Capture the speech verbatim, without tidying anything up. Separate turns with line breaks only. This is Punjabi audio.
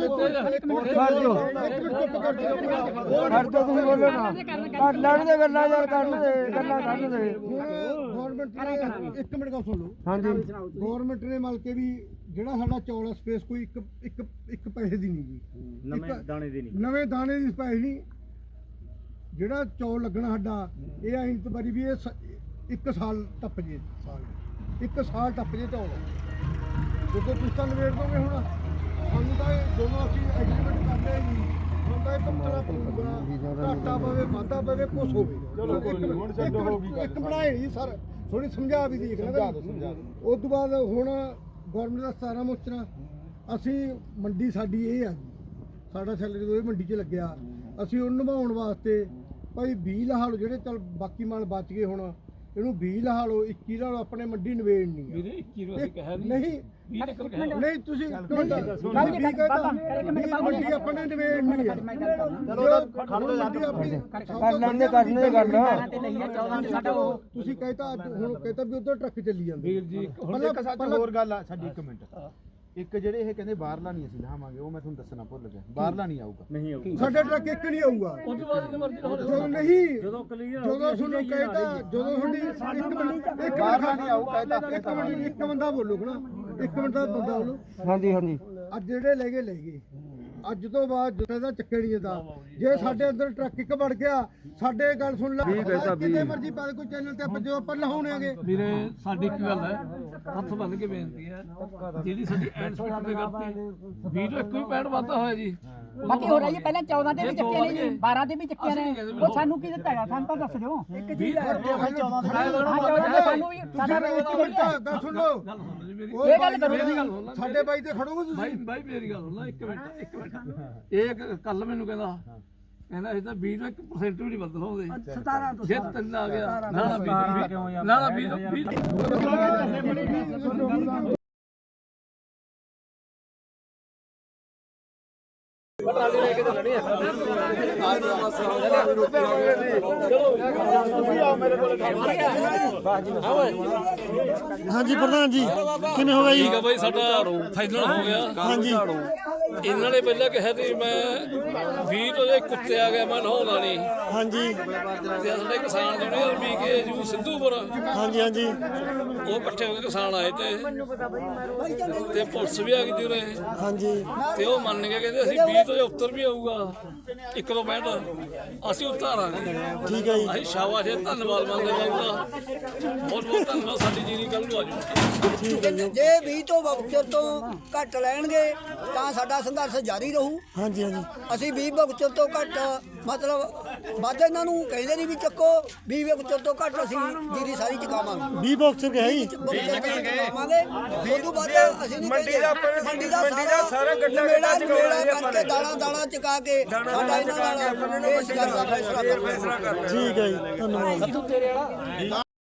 ਤੁਸੀਂ ਬੋਲੋ ਨਾ ਕਰ ਲੈਣ ਦੇ ਗੱਲਾਂ ਯਾਰ ਕਰਨ ਦੇ ਗੱਲਾਂ ਕਰਨ ਦੇ
ਗਵਰਨਮੈਂਟ ਨੇ ਇੱਕ ਮਿੰਟ ਗੱਲ ਸੁਣ ਲਓ
ਹਾਂਜੀ
ਗਵਰਨਮੈਂਟ ਨੇ ਮਲ ਕੇ ਵੀ ਜਿਹੜਾ ਸਾਡਾ ਚੌਲ ਸਪੇਸ ਕੋਈ ਇੱਕ ਇੱਕ ਇੱਕ ਪੈਸੇ ਦੀ ਨਹੀਂ ਜੀ
ਨਵੇਂ ਦਾਣੇ ਦੀ ਨਹੀਂ
ਨਵੇਂ ਦਾਣੇ ਦੀ ਪੈਸੇ ਨਹੀਂ ਜਿਹੜਾ ਚੌਲ ਲੱਗਣਾ ਸਾਡਾ ਇਹ ਐਂ ਵਾਰੀ ਵੀ ਇਹ ਇੱਕ ਸਾਲ ਟੱਪ ਜੇ ਸਾਲ ਇੱਕ ਸਾਲ ਟੱਪ ਜੇ ਚੌਲ ਜਦੋਂ ਤੁਸੀਂ ਤਾਂ ਨਵੇੜ ਦੋਗੇ ਹੁਣ ਸਾਨੂੰ ਤਾਂ ਇਹ ਦੋਨੋਂ ਅਸੀਂ ਐਗਰੀਮੈਂਟ ਕਰਦੇ ਜੀ ਹੁਣ ਤਾਂ ਇਹ ਕੰਪਨਾ ਪਊਗਾ ਘਾਟਾ ਪਵੇ ਵਾਧਾ ਪਵੇ ਕੁਛ ਹੋਵੇ ਚਲੋ ਹੁਣ ਛੱਡੋ ਹੋ ਗਈ ਇੱਕ ਬਣਾਏ ਜੀ ਸਰ ਥੋੜੀ ਸਮਝਾ ਵੀ ਦੇਖ ਲੈ ਉਸ ਤੋਂ ਬਾਅਦ ਹੁਣ ਗਵਰਨਮੈਂਟ ਦਾ ਸਤਾਰਾਂ ਮੋਚਰਾ ਅਸੀਂ ਮੰਡੀ ਸਾਡੀ ਇਹ ਆ ਜੀ ਸਾਡਾ ਸੈਲਰੀ ਉਹ ਮੰਡੀ 'ਚ ਲੱਗਿਆ ਅਸੀਂ ਉਹਨੂੰ ਨਿਭਾਉਣ ਵਾਸਤੇ ਭਾਈ ਵੀਹ ਲਾ ਲਓ ਜਿਹੜੇ ਚੱਲ ਬਾਕੀ ਮਾਲ ਬਚ ਗਏ ਹੁਣ ਇਹਨੂੰ ਵੀਹ ਲਾ ਲਓ ਇੱਕੀ ਲਾ ਲਓ ਆਪਣੇ ਮੰਡੀ ਨਿਬੇੜਨੀ ਆ
ਵੀਰੇ ਇੱਕੀ ਨੂੰ ਅਸੀਂ ਕਹਿ
ਨਹੀਂ ਨਹੀਂ ਤੁਸੀਂ ਮੰਡੀ ਆਪਣੇ ਨਿਬੇੜਨੀ ਆ
ਕਰ ਲੈਂਦੇ ਕਰਨੇ ਗੱਲ
ਤੁਸੀਂ ਕਹਿਤਾ ਹੁਣ ਕਹਿਤਾ ਵੀ ਉਧਰ ਟਰੱਕ ਚੱਲੀ ਜਾਂਦੇ
ਵੀਰ ਜੀ
ਹੁਣ ਇੱਕ ਸੱਚ ਹੋਰ ਗੱਲ ਆ ਸਾਡੀ ਇੱਕ ਮਿੰਟ ਇੱਕ ਜਿਹੜੇ ਇਹ ਕਹਿੰਦੇ ਬਾਹਰਲਾ ਨਹੀਂ ਅਸੀਂ ਲਾਵਾਂਗੇ ਉਹ ਮੈਂ ਤੁਹਾਨੂੰ ਦੱਸਣਾ ਭੁੱਲ ਗਿਆ ਬਾਹਰਲਾ ਨਹੀਂ ਆਊਗਾ ਨਹੀਂ ਆਊਗਾ
ਸਾਡੇ ਟਰੱਕ ਇੱਕ ਨਹੀਂ ਆਊਗਾ
ਉਸ ਤੋਂ ਬਾਅਦ ਮਰਜ਼ੀ
ਜਦੋਂ ਨਹੀਂ ਜਦੋਂ ਕਲੀਅਰ ਜਦੋਂ ਤੁਹਾਨੂੰ ਕਹਿਤਾ ਜਦੋਂ ਤੁਹਾਡੀ ਇੱਕ ਮਿੰਟ ਇੱਕ
ਬਾਹਰਲਾ ਨਹੀਂ ਆਊ ਕਹਿਤਾ
ਇੱਕ ਮਿੰਟ ਇੱਕ ਬੰਦਾ ਬੋਲੂਗਾ ਨਾ ਇੱਕ ਮਿੰਟ ਦਾ ਬੰਦਾ ਬੋਲੋ
ਹਾਂਜੀ ਹਾਂਜੀ
ਅੱਜ ਜਿਹੜੇ ਲੈ ਗਏ ਲੈ ਗਏ ਅੱਜ ਤੋਂ ਬਾਅਦ ਜਦੋਂ ਦਾ ਚੱਕੇ ਨਹੀਂ ਦਾ ਜੇ ਸਾਡੇ ਅੰਦਰ ਟਰੱਕ ਇੱਕ ਵੜ ਗਿਆ ਸਾਡੇ ਗੱਲ ਸੁਣ ਲੈ ਕਿਤੇ ਮਰਜ਼ੀ ਪਾ ਕੋਈ ਚੈਨਲ ਤੇ ਜੋ ਆਪਾਂ ਲਹਾਉਣੇਗੇ
ਵੀਰੇ ਸਾਡੀ ਇੱਕ ਗੱਲ ਹੈ ਹੱਥ ਬੰਨ ਕੇ ਬੇਨਤੀ ਹੈ ਜਿਹੜੀ ਸਾਡੀ ਐਂਡ ਸਪੀਡ ਤੇ ਕਰਤੀ ਵੀਹ ਤੋਂ ਇੱਕ ਵੀ ਪੈਂਟ ਵਾਧਾ ਹੋਇਆ ਜੀ
ਬਾਕੀ ਹੋ ਰਹੀ ਹੈ ਪਹਿਲਾਂ ਚੌਦਾਂ ਤੇ ਵੀ ਚੱਕੇ ਨੇ ਜੀ ਬਾਰਾਂ ਤੇ ਵੀ ਚੱਕੇ ਨੇ ਉਹ ਸਾਨੂੰ ਕੀ ਦਿੱਤਾ ਹੈਗਾ ਸਾਨੂੰ ਤਾਂ ਦੱਸ ਦਿਓ ਇੱਕ ਚੀਜ਼ ਸਾਨੂੰ ਵੀ ਸਾਡਾ
ਗੱਲ ਸੁਣ ਲਓ
ਇਹ ਗੱਲ ਕਰੋ
ਸਾਡੇ ਬਾਈ ਤੇ ਖੜੋਗੇ ਤੁਸੀਂ
ਬਾਈ ਬਾਈ ਮੇਰੀ ਗੱਲ ਸੁਣ ਲੈ ਇੱਕ ਮਿੰਟ ਇੱਕ ਮਿੰਟ ਇਹ ਕੱਲ ਮੈਨੂੰ ਕਹਿੰਦਾ ਕਹਿੰਦਾ ਇਹ ਤਾਂ ਵੀਹ ਤੋਂ ਇੱਕ ਪਰਸੈਂਟ ਵੀ ਨਹੀਂ ਬਦਲਾਉਂਦੇ ਸਤਾਰਾਂ ਤੋਂ ਜੇ ਤਿੰਨ ਆ ਗਿਆ ਨਾ ਨਾ ਵੀਹ ਨਾ ਨਾ ਵੀਹ ਪਟਾਲੀ ਲੈ ਕੇ ਚੱਲਣੀ ਹੈ
ਹਾਂਜੀ ਪ੍ਰਧਾਨ ਜੀ ਕਿਵੇਂ ਹੋ ਗਿਆ ਜੀ
ਠੀਕ ਆ ਬਾਈ ਸਾਡਾ ਫਾਈਨਲ ਹੋ ਗਿਆ
ਹਾਂਜੀ
ਇਹਨਾਂ ਨੇ ਪਹਿਲਾਂ ਕਿਹਾ ਸੀ ਮੈਂ ਵੀਹ ਤੋਂ ਜੇ ਕੁੱਤੇ ਆ ਗਿਆ ਮੈਂ ਨਹਾਉਣਾ ਨਹੀਂ
ਹਾਂਜੀ
ਤੇ ਸਾਡੇ ਕਿਸਾਨ ਜਿਹੜੇ ਵੀ ਕੇ ਜੂ ਸਿੱਧੂਪੁਰ
ਹਾਂਜੀ ਹਾਂਜੀ
ਉਹ ਇਕੱਠੇ ਹੋ ਕੇ ਕਿਸਾਨ ਆਏ ਤੇ ਤੇ ਪੁਲਿਸ ਵੀ ਆ ਗਈ ਜੀ ਉਰੇ
ਹਾਂਜੀ
ਤੇ ਉਹ ਮੰਨ ਕੇ ਕਹਿੰਦੇ ਅਸੀਂ ਵੀਹ ਤੋਂ ਜੇ ਉੱਤਰ ਵੀ ਆਊਗਾ ਇੱਕ ਤੋਂ ਪੈਂਹਠ ਅਸੀਂ ਉਤਾਰਾਂਗੇ
ਠੀਕ ਹੈ ਜੀ
ਅਸੀਂ ਸ਼ਾਬਾਸ਼ ਹੈ ਧੰਨਵਾਦ ਮੰਗਦੇ ਬਾਬੂ ਦਾ ਬਹੁਤ ਬਹੁਤ ਧੰਨਵਾਦ ਸਾਡੀ ਜੀਰੀ ਕੱਲ ਨੂੰ ਆ ਜਾਊਗੀ
ਜੇ ਵੀਹ ਤੋਂ ਵਕਤ ਤੋਂ ਘੱਟ ਲੈਣਗੇ ਤਾਂ ਸਾਡਾ ਸੰਘਰਸ਼ ਜਾਰੀ ਰਹੂ
ਹਾਂਜੀ ਹਾਂਜੀ
ਅਸੀਂ ਵੀਹ ਵਕਤ ਤੋਂ ਘੱਟ ਮਤਲਬ ਵੱਧ ਇਹਨਾਂ ਨੂੰ ਕਹਿੰਦੇ ਨਹੀਂ ਵੀ ਚੱਕੋ ਵੀਹ ਵਕਤ ਤੋਂ ਘੱਟ ਅਸੀਂ ਜੀਰੀ ਸਾਰੀ ਚੁਕਾਵਾਂਗੇ
ਵੀਹ ਬਾਕਸ ਗਏ ਜੀ
ਚੁਕਾਵਾਂਗੇ ਉਸ ਤੋਂ ਬਾਅਦ ਅਸੀਂ ਨਹੀਂ ਮੰਡੀ ਦਾ ਮੰਡੀ ਦਾ ਸਾਰਾ ਗੱਡਾ ਗੱਡਾ ਕਰਕੇ ਦਾਣਾ ਦਾਣਾ ਚੁਕਾ ਕੇ ਸਾਡਾ ਇਹਨਾਂ ਨਾਲ ਇਸ ਗੱਲ ਦਾ ਫੈਸਲਾ ਕਰਨਾ
ਠੀਕ ਹੈ ਜੀ ਧੰਨਵਾਦ